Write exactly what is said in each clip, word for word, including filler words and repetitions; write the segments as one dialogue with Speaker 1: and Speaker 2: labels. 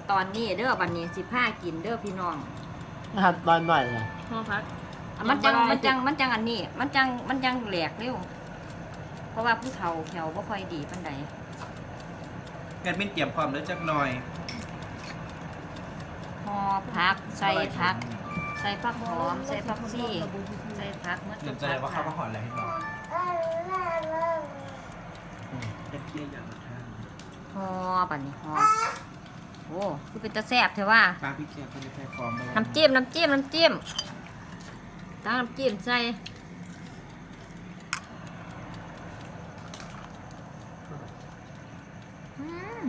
Speaker 1: ตอนนี้เด้อบัดนี้สิผ้ากินเด้อพี่น้อง
Speaker 2: นะครับตอนหน่อยเลย
Speaker 3: พ่อพัก
Speaker 1: อ่ะมันจังมันจังมันจังอันนี้ มันจังมันจังแหลกเร็วเพราะว่าผู้เฒ่าแถวบ่ค่อยดีปานใด
Speaker 4: แอดมินเตรียมพร้อมแล้วจักหน่อย
Speaker 1: ห่อผักใส่ผัก ใส่ผักหอมใส่ผักซี่ใส่ผักเมื่อ
Speaker 4: เดี๋ยวจะได้ว่าเข้ามาหอนอะไรให้เราเอ็ดเพี้ยอย่างละท่าน
Speaker 1: ห่อบัดนี้ห่อโอ้คือเป็นตะแซ่บเถอะว่า
Speaker 4: ปลาพี่เคียร์เขาจะแพ้ฟอร์ม
Speaker 1: น้ำจิ้มน้ำจิ้มน้ำจิ้มตั้งน้ำจิ้มใส่อืม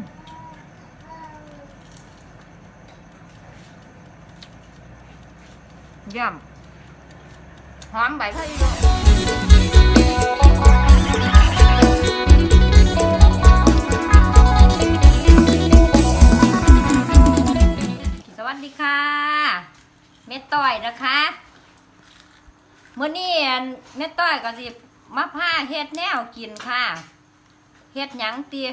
Speaker 1: เยี่ยมหอมใบพะอีสวัสดีค่ะเม็ดต้อยนะคะเมื่อนี้เม็ดต้อยก็สิมาผ้าเฮ็ดแนวกินค่ะเฮ็ดหยังเตีย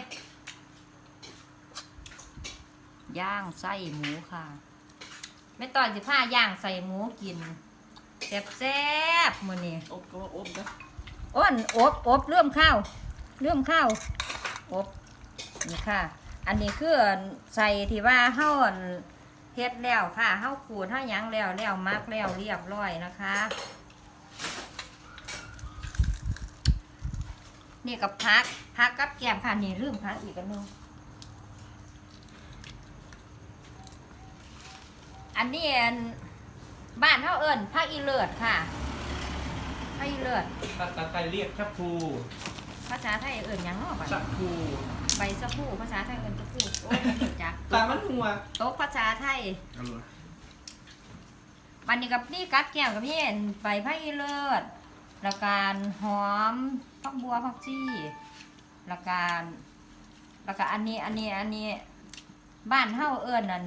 Speaker 1: ย่างไส้หมูค่ะเม็ดต้อยสิผ้าย่างใส่หมูกินแซ่บๆมื้อนี้
Speaker 3: อบก็ว่าอบนะ
Speaker 1: อ้นอบอบเริ่มข้าวเริ่มข้าวอบนี่ค่ะ อันนี้คือใส่ที่ว่าเฮาอั่นเฮ็ดแล้วค่ะเฮาขูดเฮาหยังแล้วแล้วมักแล้วเรียบร้อยนะคะ นี่กับพักพักกับแกมค่ะนี่ลืมพักอีกอันหนึงอันนี้อันบ้านเฮาเอิ้นผักอีเลิศค่ะผักอีเลิศ
Speaker 4: ตาตาไตเรียกชักพู
Speaker 1: ภาษาไทยเอิ้นหยังเนาะบัด
Speaker 4: ชั
Speaker 1: นี้
Speaker 4: กพู
Speaker 1: ใบสะพูภาษาไทยเอิ้นสะพูโอ้ยจัก
Speaker 4: ตามันหัว
Speaker 1: โต๊ะภาษาไทย
Speaker 4: เอาเลย
Speaker 1: วันนี้กับนี่กัดแก้วกับพี่เห็นใบผักอีเลิศแล้วการหอมผักบัวผักชีแล้วการแล้วก็อันนี้อันนี้อันนี้บ้านเฮาเอิ้นนั่น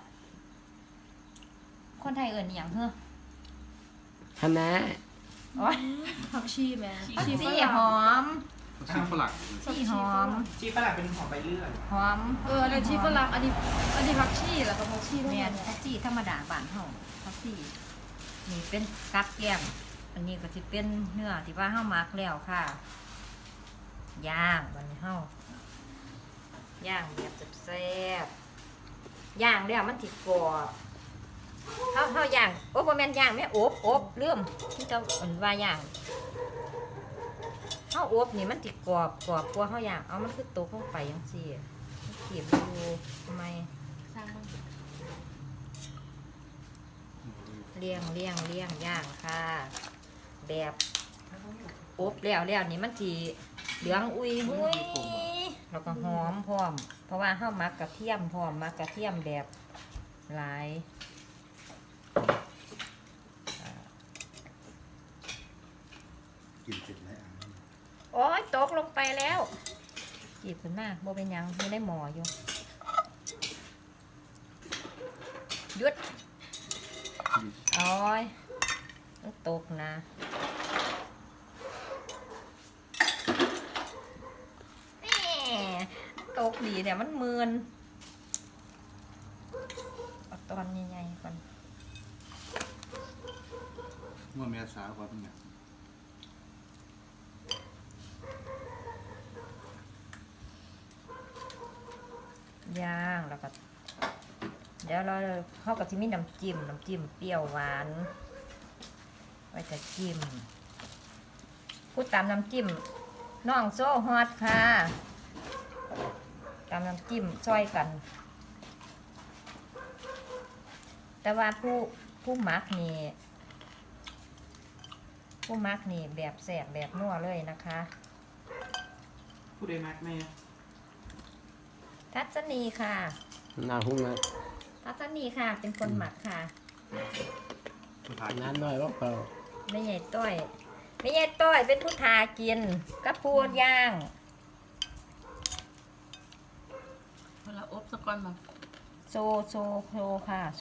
Speaker 1: คนไทยเอิ้นอหย่างเฮ้อ
Speaker 2: คณะ
Speaker 1: โอ้ย
Speaker 3: ผักชีแม่
Speaker 1: ผักชีหอม
Speaker 4: ชีฝรั่ง
Speaker 1: ชีหอม
Speaker 4: ชีฝรั่งเป็นหอมใบเลื่อย
Speaker 1: หอม
Speaker 3: เออแล้วชีฝรั่งอันนี้อันนี้ผักชีแล้วก็ผักชีทั้ง
Speaker 1: แม่
Speaker 3: หม
Speaker 1: น
Speaker 3: ด
Speaker 1: ผักชีธรรมดาบ้านเฮาผักชีนี่เป็นกัดแก้มอันนี้ก็สิเป็นเนื้อที่ว่าเฮามักแล้วค่ะย่างบัดนี้เฮาย่างแบบแซ่บๆย่างแล้วมันสิกรอบเฮาเฮาย่างโอ้บ่แม่นย่างแม่อบอบลืมที่เจ้าเอิ้นว่าย่างเฮาอบนี่มันสิกรอบกรอบกว่าเฮาย่างเอามันคือตกลงไปจังซี่เก็บดูทำไม
Speaker 3: สร้างบ้าง
Speaker 1: เลี้ยงเลี้ยงเลี้ยงย่างค่ะ แบบอบแล้วแล้วนี่มันสีเหลืองอุยหุยแล้วก็หอมพร้อม เพราะว่าเฮามักกระเทียมพร้อมมักกระเทียมแบบหลายอ่า
Speaker 5: กินเสร็จแล้ว
Speaker 1: โอ้ยตกลงไปแล้วจีบขึ้นมาโบเป็นหยังไม่ได้หมออยู่หยุดโอ้ยต้องตกนะแหม่ตกดีแต่มันมืนเอาตอนใหญ่ๆก่อน
Speaker 5: เมื่อเมียสาวกว่าเป็นไง
Speaker 1: ย่างแล้วก็เดี๋ยวเราเข้ากับที่มีน้ำจิ้มน้ำจิ้มเปรี้ยวหวานไว้จะจิ้มพูดตามน้ำจิ้มน้องโซ่ฮอตค่ะตามน้ำจิ้มช่วยกัน แต่ว่าผู้ผู้มักนี่ผู้มักนี่แบบแสบแบบนัวเลยนะคะ
Speaker 4: ผู้ใดมักแม่
Speaker 1: ทัศนีค่ะ
Speaker 2: หน้าหุ้งนะ
Speaker 1: ทัศนีค่ะ เป็นคนหมักค่ะ
Speaker 4: สุดท้าย
Speaker 2: น้ำหน่อยว่าเปล่า
Speaker 1: ไม่ใหญ่ต้อยไม่ใหญ่ต้อยเป็นผู้ทากินกับพูดย่าง
Speaker 3: เวลาอบสักก้อนมา
Speaker 1: โซโซโซค่ะโซ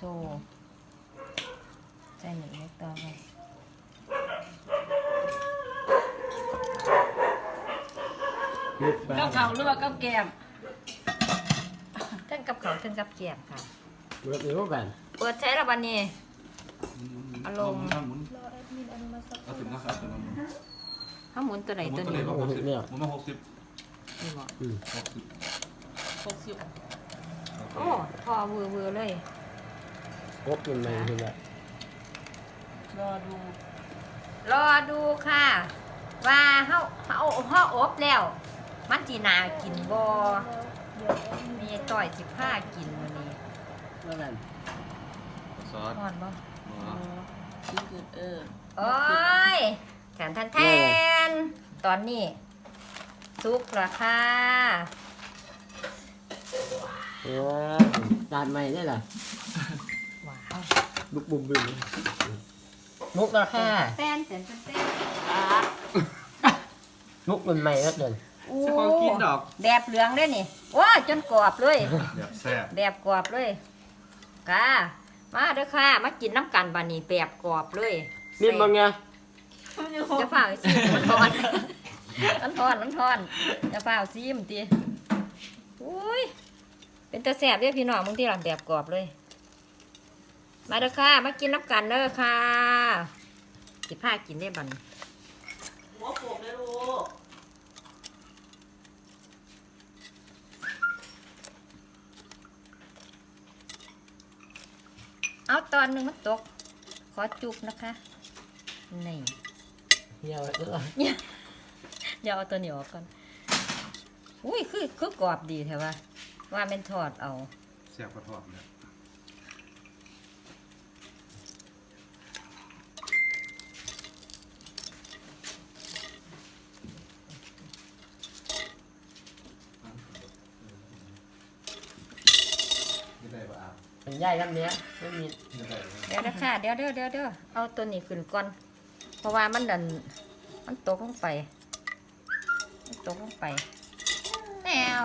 Speaker 1: ใจหนึ่งเล็กต่อไป
Speaker 2: ลึกไป
Speaker 3: กับเขาหรือว่ากับแกม
Speaker 1: แต่ทั้งกับเขาวทั้งกับแกมค่ะ
Speaker 2: เปิดอีกแล้วกัน
Speaker 1: เปิดใช้ละวันนี้ อารมณ์
Speaker 5: หมุน
Speaker 3: รอแอดมินอนุมัติสัก
Speaker 5: เอาถึงนะครับตัวนั้นหมุน
Speaker 1: เขาหมุนตัวไหน
Speaker 5: หมุ
Speaker 1: ตั
Speaker 5: น
Speaker 1: ว
Speaker 5: ตัวไหน
Speaker 1: นี้
Speaker 5: บ้างหกสิบหมุนมาหกสิบ
Speaker 1: นี่บอก
Speaker 2: อืม
Speaker 5: หกสิบ
Speaker 3: หกสิบ
Speaker 1: โอ้พอเวอร์เวอร์เลย
Speaker 2: ครบเป็นไงทีละ
Speaker 3: รอดู
Speaker 1: รอดูค่ะ ว่าเฮาเฮาเฮาอบแล้ว มันจีนากินบ่
Speaker 3: เดี๋ยวแอดมิน
Speaker 1: มีต่อยสิบห้ากินวันนี้
Speaker 2: แล้วกัน
Speaker 5: ซอส
Speaker 1: นอนบ่
Speaker 3: กินเกินเออ
Speaker 1: โอ้ยแทนแทนแทนตอนนี้ซุกละค่ะ
Speaker 2: เออจานใหม่ได้เหรอ
Speaker 1: ว้าว
Speaker 2: ลุกบุ้มบึ้มมุกราคา
Speaker 1: แตนแตนแตนแตน
Speaker 2: มุกมันใหม่แล้วเดิน
Speaker 1: โอ้
Speaker 4: จะของกินดอก
Speaker 1: แบบเหลืองเลยนี่ว้าจนกรอบเลย
Speaker 5: แบบแซ่บ
Speaker 1: แบบกรอบเลยค่ะ มาเด้อค่ะ มากินน้ำกันบานี่แบบกรอบเลย
Speaker 2: นี่มึงไง
Speaker 1: จะฝ่าเอาซิมมันทอน มันทอนมันทอนจะฝ่าเอาซิมตีอุ้ยเป็นตะแสบเด้อพี่น้องมึงที่หลังแบบกรอบเลย มาเด้อค่ะ มากินน้ำกันเด้อค่ะสิผ้ากินได้บัดน
Speaker 3: หัวโขกเลยลูก
Speaker 1: เอาตอนหนึ่งมันตก ขอจุบนะคะ นี่
Speaker 2: เหี่ยวแล้ว
Speaker 1: เดี๋ยวเอาตัวนี้ออกก่อน อุ้ย คือ คือกรอบดีแถวว่า ว่าเป็นทอดเอา
Speaker 5: แซ่บกระทอดเลยไม่ได้ป่ะ
Speaker 2: เป็นย่ายกันเนี้ยไม่มี
Speaker 5: ไม่ได้
Speaker 1: เดี๋ยวนะคะเดี๋ยวเดี๋ยวเดี๋ยวเดี๋ยวเอาตัวนี้ขึ้นก่อน เพราะว่ามันดัน มันตกลงไปมันตกลงไปแนว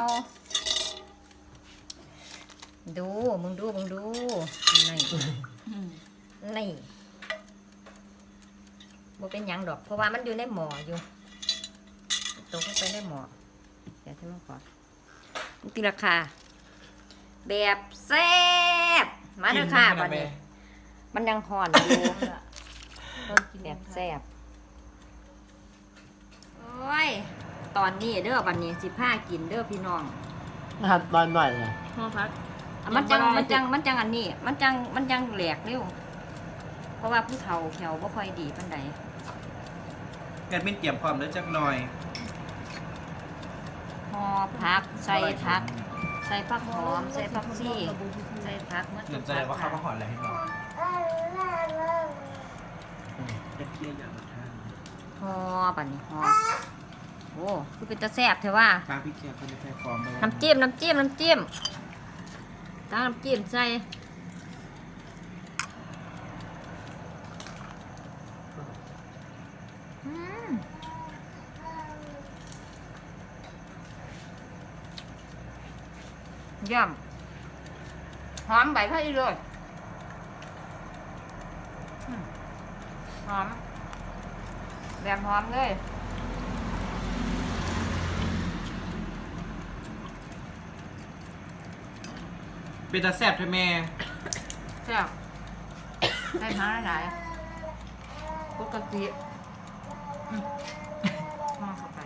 Speaker 1: ดู มึงดู มึงดู นี่ นี่บ่เป็นหยังดอก เพราะว่ามันอยู่ในหม้ออยู่ตกลงไปในหม้อเดี๋ยวที่มันก่อนนี่ตีราคา แบบแซ่บมาเด้อค่ะวันนี้ มันยังห่อนอยู่ แบบแซ่บโอ้ย ตอนนี้เด้อวันนี้สิผ้ากินเด้อพี่น้อง
Speaker 2: หัดตอนหน่อยเลย
Speaker 3: ห้องพัก
Speaker 1: อ่ะมันจัง
Speaker 3: ยังบ่ได้
Speaker 1: มันจังมันจังอันนี้ มันจังมันจังแหลกเร็วเพราะว่าผู้เฒ่าแขวบ่ค่อยดีปานใด
Speaker 4: แกเป็นเตรียมความแล้วจักหน่อย
Speaker 1: ห่อผักใส่ผัก ใส่ผักหอม ใส่ผักชีใส่ผักเมื่อ
Speaker 4: เดี๋ยวจะได้ว่าข้าวมาหอนอะไรให้บอกจะเคี่ยวอย่างละท่าน
Speaker 1: ห่อปันนี้ห่อโอ้คือเป็นตะแซ่บเถอะว่า
Speaker 4: ปลาพริกเคี่ยวเขาจะแพ้ฟอร์มไป
Speaker 1: น้ำจิ้มน้ำจิ้มน้ำจิ้มตั้งน้ำจิ้มใส่อืมเยี่ยมหอมใบพะอีเลยอืมหอมแบบหอมเลย
Speaker 4: เป็นตาแซ่บใช่ไหม
Speaker 1: แซ่บได้มาหลายปกติอืมมองเข้าไป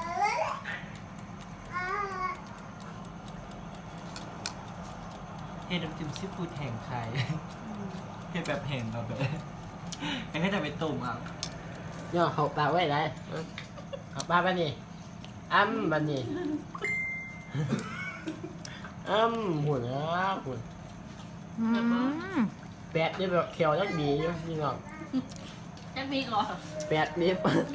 Speaker 4: เฮ็ดน้ำจิ้มซีฟู้ดแห้งไทยเฮ็ดแบบแห้งแบบเลยแล้วก็จะไปตุ่มอ่ะ
Speaker 2: ย่อเขาปากไว้ได้เขาปากไปนี่อ้ำบันนี่อ้ำหุ่นนะหุ่น
Speaker 1: อืม
Speaker 2: แปดนี่แบบเขียวยักดีอยู่นี่น้อง
Speaker 3: แอดมินเหรอ
Speaker 2: แปดนี่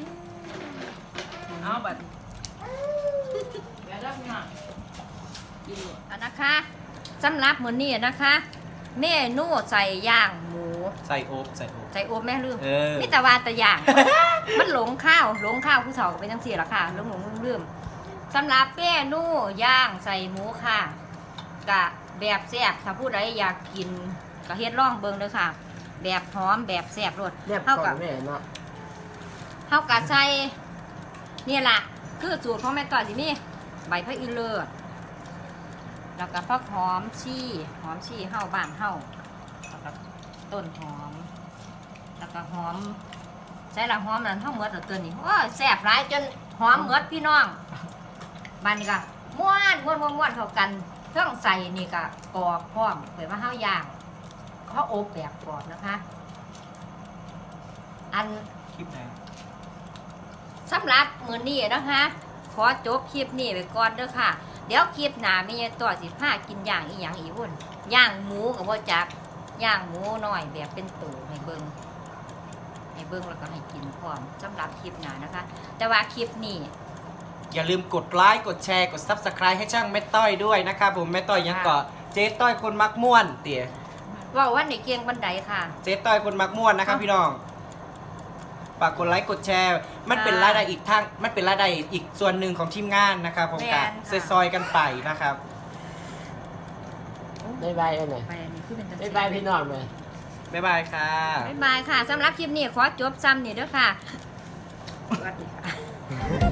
Speaker 3: เอาแบบเดี๋ยวรับงานกินเลย
Speaker 1: อันนะคะสำหรับมื้อนี้นะคะ เมนูใส่ย่างหมู
Speaker 4: ใส่โอ๊บใส่โอ๊บ
Speaker 1: ใส่โอบแม่ลืม
Speaker 4: เออ
Speaker 1: นี่แต่ว่าแต่ย่าง มันหลงข้าวหลงข้าวผู้เฒ่าเป็นจังซี่ล่ะค่ะหลงหลงลืมลืมสำหรับเมนูย่างใส่หมูค่ะกะแบบแซ่บถ้าผู้ใดอยากกินก็เฮ็ดลองเบิ่งเด้อค่ะ แบบหอมแบบแซ่บรส
Speaker 2: เรียบ
Speaker 1: เท่า
Speaker 2: ก่อ
Speaker 1: กับ
Speaker 2: นแม่เนาะ
Speaker 1: เท่ากับใส่นี่ล่ะคือสูตรของแม่ต่อยสิมีใบพะอีเลิศแล้วก็ผักหอมชี่หอมชี่เฮาบ้านเฮาแล้วก็ต้นหอม แล้วก็หอมใส่ละหอมนั่นเฮาหมดแล้วตัวนี้โอ้ยแซ่บหลายจนหอมหมดพี่น้องบ้านนี้ก็ม้วนม้วนม้วนม้วนเข้ากันเครื่องใส่นี่ก็กรอบพร้อมเผยว่าเฮาย่างเฮาอบแบบกรอบนะคะ อัน
Speaker 4: คลิปไหน
Speaker 1: สำหรับมื้อนี้นะคะ ขอจบคลิปนี้ไปก่อนเด้อค่ะ เดี๋ยวคลิปหน้ามีตัวสิพากินย่างอีหยังอีกวุ่นย่างหมูกับบ่จักย่างหมูน้อยแบบเป็นตูให้เบิ่งให้เบิ่งแล้วก็ให้กินพร้อมสำหรับคลิปหน้านะคะ แต่ว่าคลิปนี้
Speaker 4: อย่าลืมกดไลค์กดแชร์กด ซับสไครบ์ ให้ช่างแม่ต้อยด้วยนะครับผมแม่ต้อยยังเกาะเจ๊ต้อยคนมักม่วนเตี๋ย
Speaker 1: เว่าวันในเกียงบันไดค่ะ
Speaker 4: เจ๊ต้อยคนมักม่วนนะครับพี่น้องฝากกดไลค์กดแชร์ มันเป็นรายได้อีกทางมันเป็นรายได้อีกส่วนหนึ่งของทีมงานนะครับผมกะซอยๆกันไปนะครับ
Speaker 2: บ๊ายบายกันหน่อย
Speaker 1: ไปอันนี้คือเป็นตะ
Speaker 2: บ๊ายบายพี่น้องเลย
Speaker 4: บ๊ายบายค่ะ
Speaker 1: บ๊ายบายค่ะสำหรับคลิปนี้ขอจบซ้ำนี่เด้อค่ะสวัสดีค่ะ